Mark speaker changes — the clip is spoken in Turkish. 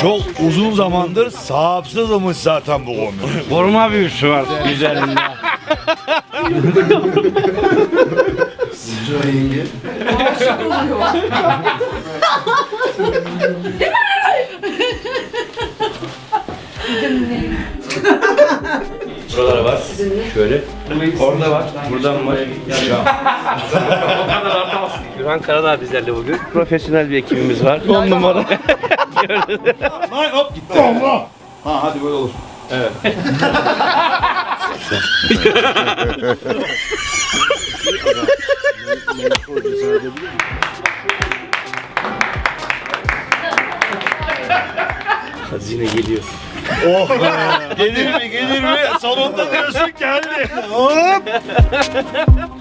Speaker 1: Çok uzun zamandır sahipsizmiş zaten bu konu.
Speaker 2: Koruma büyüsü var üzerinde.
Speaker 1: Buralara var. Şöyle.
Speaker 2: Orada var. Buradan var. Gürhan Karadağ bizlerle bugün. Profesyonel bir ekibimiz var. 10 numara.
Speaker 1: Lan hop gitti. Allah. Ha hadi böyle olur. Evet.
Speaker 2: Hazine geliyor.
Speaker 1: Oh be. Gelir mi gelir mi? Sonunda diyorsun geldi. Hop.